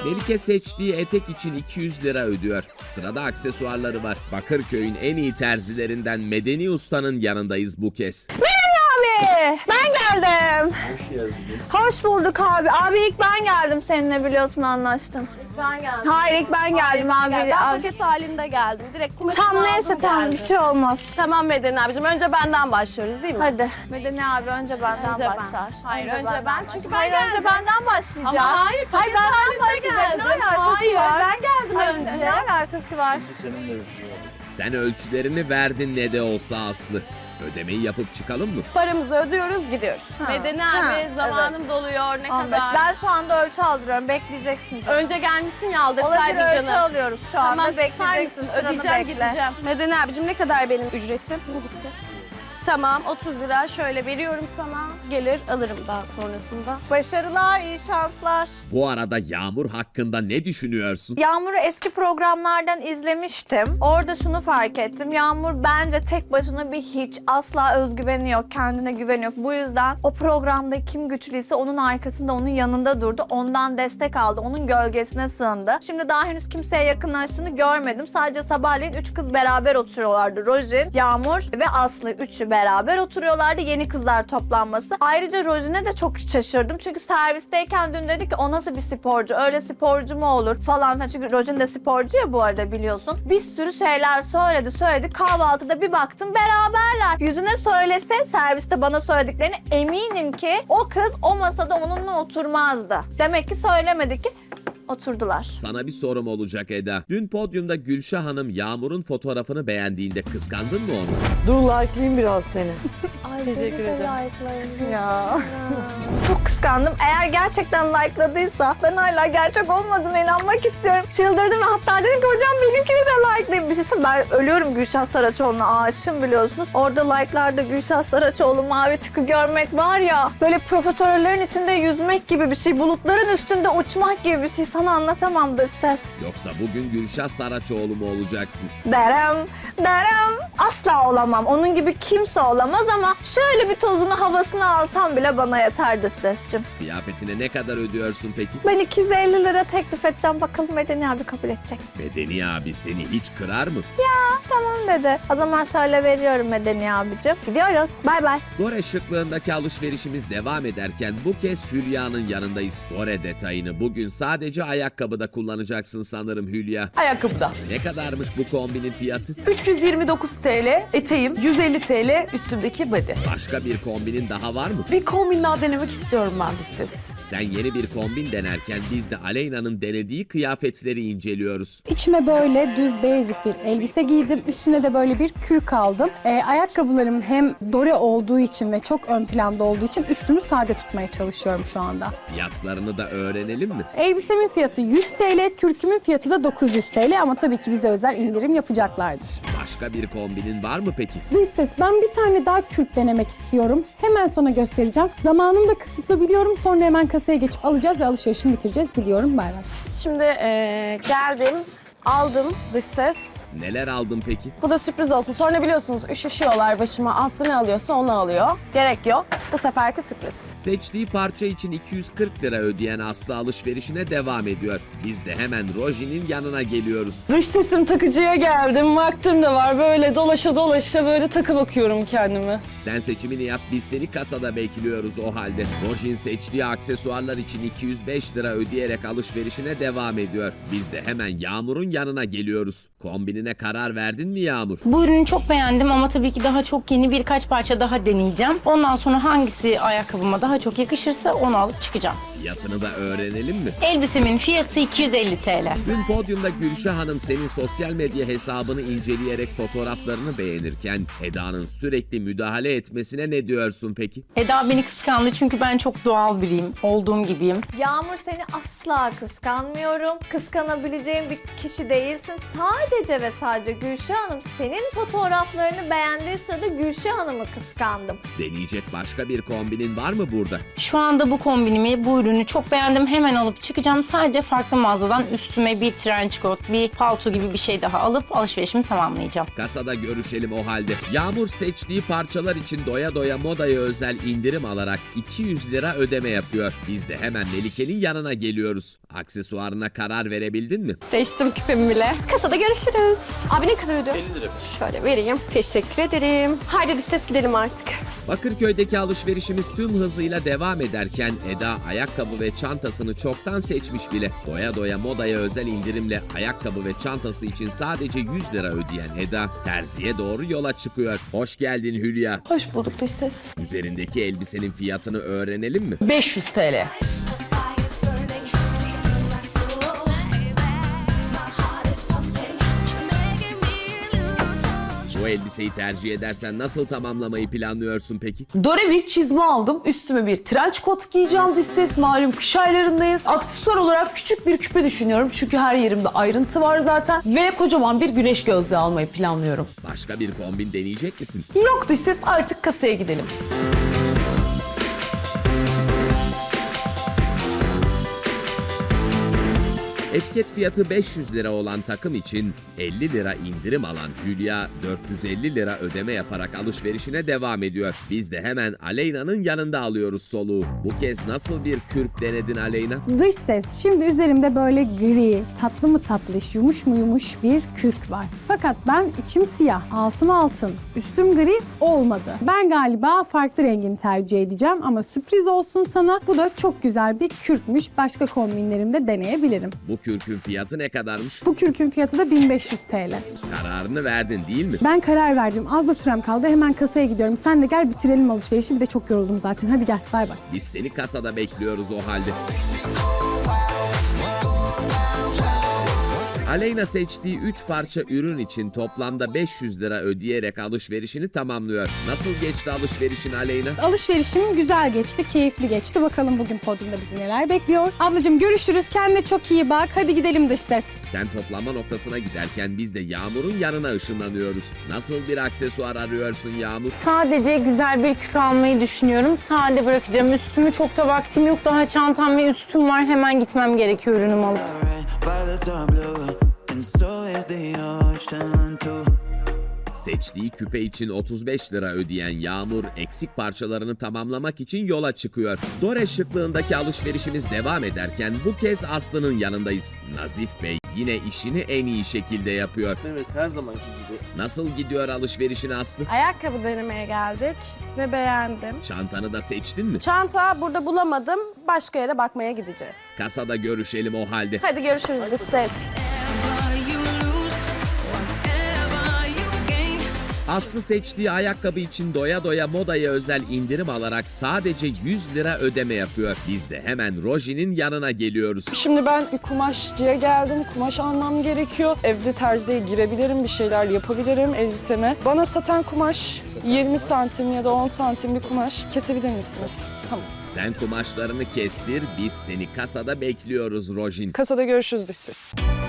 Melike seçtiği etek için 200 lira ödüyor. Sırada aksesuarları var. Bakırköy'ün en iyi terzilerinden Medeni Usta'nın yanındayız bu kez. Abi ben geldim. Hoş geldin. Hoş bulduk abi. Abi ilk ben geldim seninle, biliyorsun, anlaştım. Ben geldim. Hayır, ilk ben geldim abi. Ben Abi. paket halinde geldim. Direkt kumaşımı Tam aldım, neyse, tamam, geldim. bir şey olmaz. Tamam Medeni abicim. Önce benden başlıyoruz değil mi? Hadi. Medeni abi önce benden Önce ben. başlar. Hayır, önce benden ben. başlar. Çünkü ben Hayır, geldim. önce benden başlayacağım. Ama hayır, paket benden halinde başlayacak. geldim. Ne alakası Hayır, var? ben geldim Hayır, önce. Ne alakası var? Sen ölçülerini verdin ne de olsa Aslı. Ödemeyi yapıp çıkalım mı? Paramızı ödüyoruz, gidiyoruz. Ha, Medeni ha, abi zamanım evet. doluyor. Ne 15. kadar? Ben şu anda ölçü aldırıyorum. Bekleyeceksin canım. Önce gelmişsin ya Olabilir, aldırsaydın ölçü canım. alıyoruz şu anda. Tamam, Bekleyeceksin. misin? Sıranı Ödeyeceğim, bekle. gideceğim. Medeni abicim ne kadar benim ücretim? Bu gitti. Tamam, 30 lira şöyle veriyorum sana. Gelir alırım daha sonrasında. Başarılar, iyi şanslar. Bu arada Yağmur hakkında ne düşünüyorsun? Yağmur'u eski programlardan izlemiştim. Orada şunu fark ettim. Yağmur bence tek başına bir hiç. Asla özgüveni yok, kendine güveni yok. Bu yüzden o programda kim güçlüyse onun arkasında, onun yanında durdu. Ondan destek aldı, onun gölgesine sığındı. Şimdi daha henüz kimseye yakınlaştığını görmedim. Sadece sabahleyin 3 kız beraber oturuyorlardı. Rojin, Yağmur ve Aslı, üçü beraber oturuyorlardı. Yeni kızlar toplanması. Ayrıca Rojin'e de çok şaşırdım. Çünkü servisteyken dün dedi ki o nasıl bir sporcu? Öyle sporcu mu olur falan filan. Çünkü Rojin de sporcu ya bu arada, biliyorsun. Bir sürü şeyler söyledi. Kahvaltıda bir baktım beraberler. Yüzüne söylese, serviste bana söylediklerini, eminim ki o kız o masada onunla oturmazdı. Demek ki söylemedi ki oturdular. Sana bir sorum olacak Eda. Dün podyumda Gülşah Hanım Yağmur'un fotoğrafını beğendiğinde kıskandın mı onu? Dur like'layayım biraz seni. Ay, Teşekkür ederim. Ya. Çok kıskandım. Eğer gerçekten like'ladıysa ben hala gerçek olmadığına inanmak istiyorum. Çıldırdım ve hatta dedim ki hocam benimkini de like'layın. Bir şey söyleyeyim, ben ölüyorum Gülşah Saraçoğlu'na, aşığım biliyorsunuz. Orada like'larda Gülşah Saraçoğlu mavi tıkı görmek var ya, böyle profiterollerin içinde yüzmek gibi bir şey. Bulutların üstünde uçmak gibi bir şey. Sana anlatamam da ses. Yoksa bugün Gülşah Saraçoğlu mu olacaksın? Derim. Asla olamam. Onun gibi kimse olamaz ama şöyle bir tozunu, havasını alsam bile bana yeterdi sesçim. Kıyafetine ne kadar ödüyorsun peki? Ben 250 lira teklif edeceğim. Bakalım Medeni abi kabul edecek. Medeni abi seni hiç kırar mı? Tamam dedi. O zaman şöyle veriyorum Medeni abicim. Gidiyoruz. Bay bay. Dore şıklığındaki alışverişimiz devam ederken bu kez Hülya'nın yanındayız. Dore detayını bugün sadece ayakkabıda kullanacaksın sanırım Hülya. Ayakkabıda. Ne kadarmış bu kombinin fiyatı? 329 TL eteğim, 150 TL üstümdeki body. Başka bir kombinin daha var mı? Bir kombin daha denemek istiyorum ben de siz. Sen yeni bir kombin denerken biz de Aleyna'nın denediği kıyafetleri inceliyoruz. İçime böyle düz basic bir elbise giydim. Üstüne de böyle bir kürk aldım. Ayakkabılarım hem dore olduğu için ve çok ön planda olduğu için üstümü sade tutmaya çalışıyorum şu anda. Fiyatlarını da öğrenelim mi? Elbisemin fiyatı 100 TL, kürkümün fiyatı da 900 TL ama tabii ki bize özel indirim yapacaklardır. Başka bir kombinin var mı peki? Dış ses, ben bir tane daha kürk denemek istiyorum. Hemen sana göstereceğim. Zamanım da kısıtlı biliyorum. Sonra hemen kasaya geçip alacağız ve alışverişimi bitireceğiz. Gidiyorum, bay bay. Şimdi geldim. Aldım dış ses. Neler aldın peki? Bu da sürpriz olsun. Sonra biliyorsunuz üşüşüyorlar başıma. Aslı ne alıyorsa onu alıyor. Gerek yok. Bu seferki sürpriz. Seçtiği parça için 240 lira ödeyen Aslı alışverişine devam ediyor. Biz de hemen Roji'nin yanına geliyoruz. Dış sesim takıcıya geldim. Vaktim de var. Böyle dolaşa dolaşa böyle takı bakıyorum kendime. Sen seçimini yap, biz seni kasada bekliyoruz o halde. Rojin seçtiği aksesuarlar için 205 lira ödeyerek alışverişine devam ediyor. Biz de hemen Yağmur'un yanına geliyoruz. Kombinine karar verdin mi Yağmur? Bu ürünü çok beğendim ama tabii ki daha çok yeni birkaç parça daha deneyeceğim. Ondan sonra hangisi ayakkabıma daha çok yakışırsa onu alıp çıkacağım. Fiyatını da öğrenelim mi? Elbisemin fiyatı 250 TL. Dün podyumda Gülşah Hanım senin sosyal medya hesabını inceleyerek fotoğraflarını beğenirken Eda'nın sürekli müdahale etmesine ne diyorsun peki? Eda beni kıskandı çünkü ben çok doğal biriyim. Olduğum gibiyim. Yağmur, seni asla kıskanmıyorum. Kıskanabileceğim bir kişi kişi değilsin. Sadece ve sadece Gülşah Hanım senin fotoğraflarını beğendiği sırada Gülşah Hanım'ı kıskandım. Deneyecek başka bir kombinin var mı burada? Şu anda bu kombinimi, bu ürünü çok beğendim. Hemen alıp çıkacağım. Sadece farklı mağazadan üstüme bir trench coat, bir palto gibi bir şey daha alıp alışverişimi tamamlayacağım. Kasada görüşelim o halde. Yağmur seçtiği parçalar için doya doya modaya özel indirim alarak 200 lira ödeme yapıyor. Biz de hemen Melike'nin yanına geliyoruz. Aksesuarına karar verebildin mi? Seçtim küpemi bile. Kasada görüşürüz. Abi ne kadar ödüyor? 50 lira. Şöyle vereyim. Teşekkür ederim. Haydi dış ses gidelim artık. Bakırköy'deki alışverişimiz tüm hızıyla devam ederken Eda ayakkabı ve çantasını çoktan seçmiş bile. Doya doya modaya özel indirimle ayakkabı ve çantası için sadece 100 lira ödeyen Eda terziye doğru yola çıkıyor. Hoş geldin Hülya. Hoş bulduk dış ses. Üzerindeki elbisenin fiyatını öğrenelim mi? 500 TL. Bu elbiseyi tercih edersen nasıl tamamlamayı planlıyorsun peki? Dore bir çizme aldım. Üstüme bir trench coat giyeceğim dış ses. Malum kış aylarındayız. Aksesuar olarak küçük bir küpe düşünüyorum. Çünkü her yerimde ayrıntı var zaten. Ve kocaman bir güneş gözlüğü almayı planlıyorum. Başka bir kombin deneyecek misin? Yok dış ses, artık kasaya gidelim. Etiket fiyatı 500 lira olan takım için 50 lira indirim alan Hülya 450 lira ödeme yaparak alışverişine devam ediyor. Biz de hemen Aleyna'nın yanında alıyoruz soluğu. Bu kez nasıl bir kürk denedin Aleyna? Dış ses. Şimdi üzerimde böyle gri, tatlı mı tatlış, yumuş mu yumuş bir kürk var. Fakat ben içim siyah, altım altın, üstüm gri olmadı. Ben galiba farklı rengini tercih edeceğim ama sürpriz olsun sana. Bu da çok güzel bir kürkmüş. Başka kombinlerimde deneyebilirim. Bu kürkün fiyatı ne kadarmış? Bu kürkün fiyatı da 1500 TL. Kararını verdin değil mi? Ben karar verdim. Az da sürem kaldı. Hemen kasaya gidiyorum. Sen de gel bitirelim alışverişi. Bir de çok yoruldum zaten. Hadi gel. Bay bay. Biz seni kasada bekliyoruz o halde. Aleyna seçtiği 3 parça ürün için toplamda 500 lira ödeyerek alışverişini tamamlıyor. Nasıl geçti alışverişin Aleyna? Alışverişim güzel geçti, keyifli geçti. Bakalım bugün podyumda bizi neler bekliyor. Ablacığım görüşürüz. Kendine çok iyi bak. Hadi gidelim dış ses. Sen toplanma noktasına giderken biz de Yağmur'un yanına ışınlanıyoruz. Nasıl bir aksesuar arıyorsun Yağmur? Sadece güzel bir küpe almayı düşünüyorum. Sade bırakacağım. Üstümü çok da vaktim yok. Daha çantam ve üstüm var. Hemen gitmem gerekiyor ürünümü alıp. Violets are blue, and so is the ocean too. Seçtiği küpe için 35 lira ödeyen Yağmur eksik parçalarını tamamlamak için yola çıkıyor. Dore şıklığındaki alışverişimiz devam ederken bu kez Aslı'nın yanındayız. Nazif Bey yine işini en iyi şekilde yapıyor. Evet, her zamanki gibi. Nasıl gidiyor alışverişin Aslı? Ayakkabı denemeye geldik ve beğendim. Çantanı da seçtin mi? Çanta burada bulamadım. Başka yere bakmaya gideceğiz. Kasada görüşelim o halde. Hadi görüşürüz dış ses. Aslı seçtiği ayakkabı için doya doya modaya özel indirim alarak sadece 100 lira ödeme yapıyor. Biz de hemen Roji'nin yanına geliyoruz. Şimdi ben bir kumaşçıya geldim. Kumaş almam gerekiyor. Evde terziye girebilirim, bir şeyler yapabilirim elbiseme. Bana satan kumaş 20 santim ya da 10 santim bir kumaş kesebilir misiniz? Tamam. Sen kumaşlarını kestir, biz seni kasada bekliyoruz Rojin. Kasada görüşürüz dış ses.